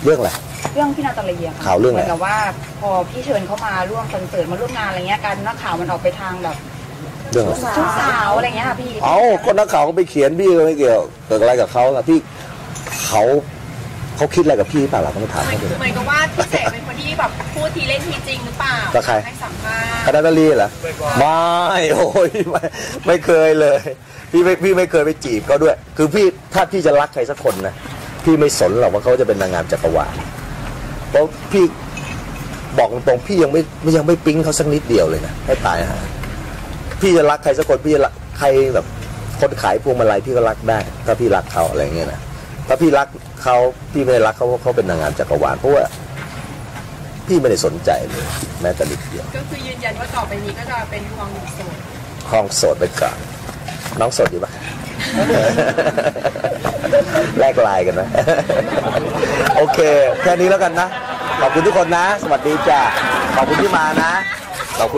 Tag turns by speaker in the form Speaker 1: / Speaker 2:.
Speaker 1: เรื่องอะไร
Speaker 2: เรื่องพี่นาตาลีอะค่ะ
Speaker 1: ข่าวเรื่องอะไร
Speaker 2: แต่ว่าพอพี่เชิญเขามาร่วมคอนเสิร์ตมาร่วมงานอะไรเงี้ยการนักข่าวมันออกไปทางแบบ
Speaker 1: เรื่อง
Speaker 2: ชุดสาวอะไรเงี้ยค่ะพี่
Speaker 1: คนนักข่าวก็ไปเขียนพี่ก็ไม่เกี่ยวเกิดอะไรกับเขาพี่เขาคิดอะไรกับพี่เปล่าเราก็ไม่ถามเขาเลย
Speaker 3: เหมือนกับว่าพี่เสกเป็นคนที่แบบพูดทีเล่นทีจริงหรือเปล่า
Speaker 1: กับใคร
Speaker 3: ให้สัมภาษณ์
Speaker 1: คณะนาลีเหรอไม่โอ้ยไม่เคยเลยพี่ไม่เคยไปจีบเขาด้วยคือพี่ถ้าพี่จะรักใครสักคนนะพี่ไม่สนหรอกว่าเขาจะเป็นนางงามจักรวาลเพราะพี่บอกตรงๆพี่ยังไม่ปิ๊งเขาสักนิดเดียวเลยนะให้ตายฮะพี่จะรักใครสักคนพี่จะรักใครแบบคนขายพวงมาลัยพี่ก็รักได้ถ้าพี่รักเขาอะไรเงี้ยนะถ้าพี่รักเขาพี่ไม่รักเขาเพราะเขาเป็นนางงามจักรวาลเพราะว่าพี่ไม่ได้สนใจเลยแม้แต่นิดเดียว
Speaker 3: ก็คือยืนยันว่าต่อไปนี้ก็จะเป็นคลองโสด
Speaker 1: คลองโสดไปก่อนน้องโสดอยู่ปะ แลกไลน์กันนะ โอเคแค่นี้แล้วกันนะขอบคุณทุกคนนะสวัสดีจ้าขอบคุณที่มานะ